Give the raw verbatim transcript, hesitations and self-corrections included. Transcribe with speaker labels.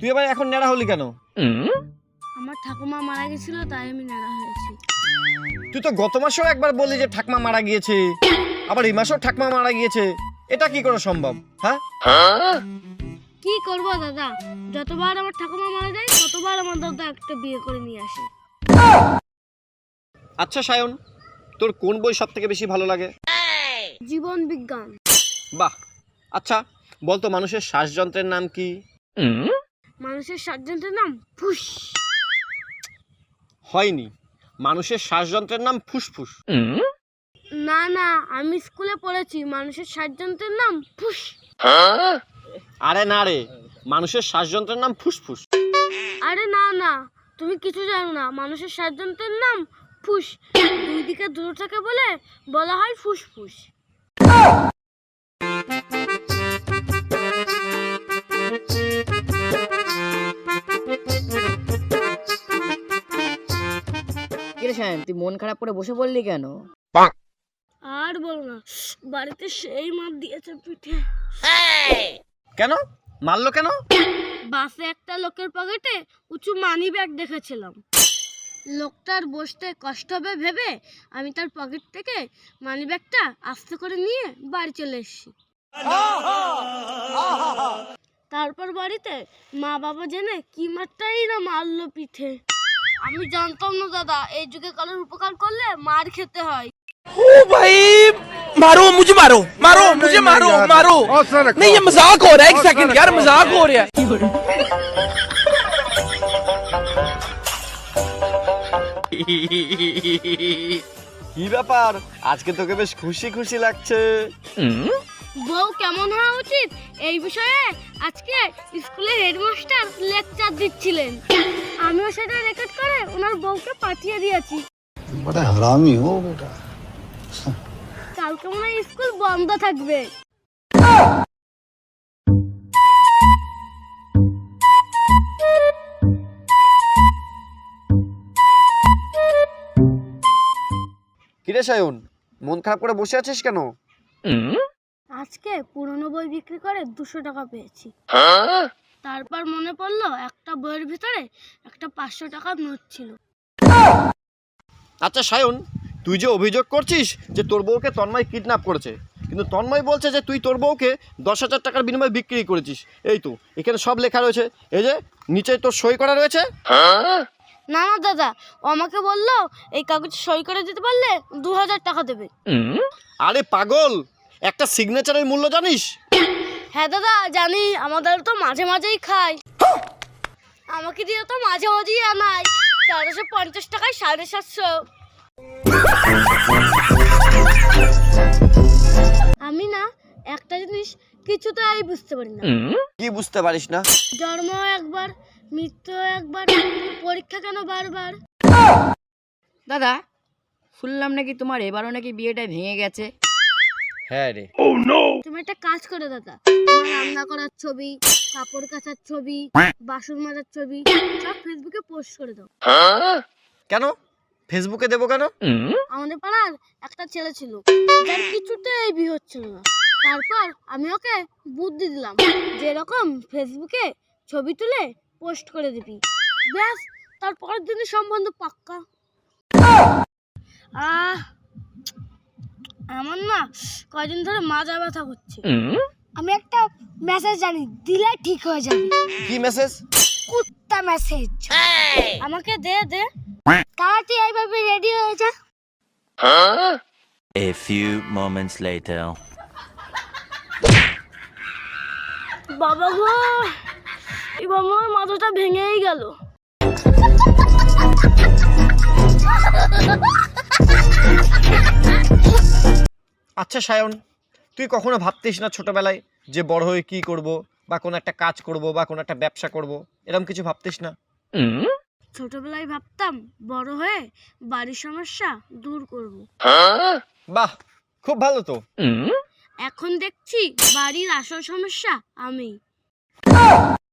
Speaker 1: তুই আবার এখন নেড়া হলি কেন?
Speaker 2: আমার ঠাকুমা মারা গেছিল তাই আমি নেড়া হয়েছি।
Speaker 1: তুই তো গত মাসেও একবার বললি যে ঠাকমা মারা গিয়েছে, আবার এই মাসেও ঠাকমা মারা গিয়েছে। এটা কি করে সম্ভব? হ্যাঁ,
Speaker 2: কি করব দাদা, যতবার আমার ঠাকুমা মারা যায় ততবার আমার দাদা একটা বিয়ে করে নিয়ে আসে।
Speaker 1: আচ্ছা সায়ন, তোর কোন বই সব থেকে বেশি ভালো লাগে?
Speaker 2: জীবন বিজ্ঞান।
Speaker 1: বাহ। আচ্ছা বলতো মানুষের শ্বাসযন্ত্রের নাম কি?
Speaker 2: মানুষের শ্বাসযন্ত্রের নাম ফুস।
Speaker 1: হয়নি, মানুষের শ্বাসযন্ত্রের নাম ফুসফুস।
Speaker 2: না না, আমি স্কুলে পড়েছি মানুষের শ্বাসযন্ত্রের নাম ফুস।
Speaker 1: আরে না রে, মানুষের শ্বাসযন্ত্রের নাম ফুসফুস।
Speaker 2: আরে না না, তুমি কিছু জানো না, মানুষের শ্বাসযন্ত্রের নাম ফুস। দুই দিকে দূর থাকে বলে বলা হয় ফুসফুস।
Speaker 3: কিরে শায়ন, তুই মন খারাপ করে বসে পড়লি কেন?
Speaker 2: আর বলো না, বাড়িতে সেই মার দিয়েছে পিঠে।
Speaker 1: কেন মারলো কেন?
Speaker 2: বাসে একটা লোকের পকেটে উঁচু মানি ব্যাগ দেখেছিলাম। লোকটার বসতে কষ্ট হবে ভেবে আমি তার পকেট থেকে মানি ব্যাগটা আস্তে করে নিয়ে বাড়ি চলে এসেছি। তারপর বাড়িতে মা বাবা জেনে কি মারটাই না মারলো পিঠে। আমি জানতাম না দাদা, এই যুগে কারোর উপকার করলে মার খেতে হয়।
Speaker 4: ओ भाई मारो मुझे मारो मारो मुझे मारो मारो नहीं ये मजाक हो रहा है एक सेकंड यार मजाक हो रहा है
Speaker 1: কি ব্যাপার, আজকে তোকে বেশ খুশি খুশি লাগছে।
Speaker 2: বউ কেমন হওয়া উচিত এই বিষয়ে আজকে স্কুলে হেডমাস্টার লেকচার দিচ্ছিলেন। আমিও সেটা রেকর্ড করে ওনার বউকে পাঠিয়ে দিয়েছি।
Speaker 5: बड़ा हरामी हो बेटा।
Speaker 2: কালকে মনে হয় স্কুল বন্ধ থাকবে।
Speaker 1: কিরে সায়ন, মন খারাপ করে বসে আছিস কেন?
Speaker 2: আজকে পুরনো বই বিক্রি করে দুশো টাকা পেয়েছি। তারপর মনে পড়লো একটা বইয়ের ভিতরে একটা পাঁচশো টাকার নোট ছিল।
Speaker 1: আচ্ছা সায়ন, তুই যে অভিযোগ করছিস যে তোর বউকে তন্ময় কিডন্যাপ করেছে, কিন্তু তন্ময় বলছে যে তুই তোর বউকে দশ হাজার টাকার বিনিময়ে বিক্রি করেছিস। এই তো এখানে সব লেখা রয়েছে, এই যে নিচে তোর সই করা রয়েছে।
Speaker 2: না না দাদা, ও আমাকে বললো এই কাগজে সই করে দিতে পারলে দু হাজার টাকা দেবে।
Speaker 1: আরে পাগল, একটা সিগনেচারের মূল্য জানিস?
Speaker 2: হ্যাঁ দাদা জানি, আমাদের তো মাঝে মাঝেই খাই। আমাকে দিয়ে তো মাঝে মাঝেই আনাই। তেরোশো পঞ্চাশ টাকায় সাড়ে সাতশো। আমি না একটা জিনিস কিছুতেই বুঝতে পারি না।
Speaker 1: কি বুঝতে পারিস না?
Speaker 2: জন্ম একবার, মৃত্যু একবার, পরীক্ষা কেন বারবার?
Speaker 3: দাদা, শুনলাম নাকি তোমার এবারও নাকি বিয়েটা ভেঙে গেছে।
Speaker 1: হ্যাঁ রে।
Speaker 2: তুমি একটা কাজ করো দাদা, তোমার রান্না করার ছবি, কাপড় কাচার ছবি, বাসন মাজার ছবি সব ফেসবুকে পোস্ট করে দাও।
Speaker 1: কেন ফেসবুকে দেবো কেন?
Speaker 2: আমাদের পাড়ার একটা ছেলে ছিল যার কিছুতেই বিয়ে হচ্ছিল না। তারপর আমি ওকে বুদ্ধি দিলাম যে এরকম ফেসবুকে ছবি তুলে পোস্ট করে দিবি, ব্যাস তারপরের দিনই সম্বন্ধ পাক্কা। আহ আমার না কয়দিন ধরে মাজা ব্যথা করছে। আমি একটা মেসেজ জানি, দিলে ঠিক হয়ে যাবে।
Speaker 1: কি মেসেজ?
Speaker 2: কুত্তা মেসেজ। আমাকে দে দে, তাড়াতাড়ি এইভাবে রেডি হয়ে যা।
Speaker 6: A few moments later.
Speaker 2: বাবা গো, এবার আমার মাথাটা ভেঙেই গেল।
Speaker 1: আচ্ছা সায়ন, তুই কখনো ভাবতিস না ছোটবেলায় যে বড় হয়ে কি করব, বা কোনো একটা কাজ করব, বা কোনো একটা ব্যবসা করব, এরকম কিছু ভাবতিস না?
Speaker 2: ছোটবেলায় ভাবতাম বড় হয়ে বাড়ির সমস্যা দূর করব।
Speaker 1: বাহ, খুব ভালো তো।
Speaker 2: এখন দেখছি বাড়ির আসল সমস্যা আমি।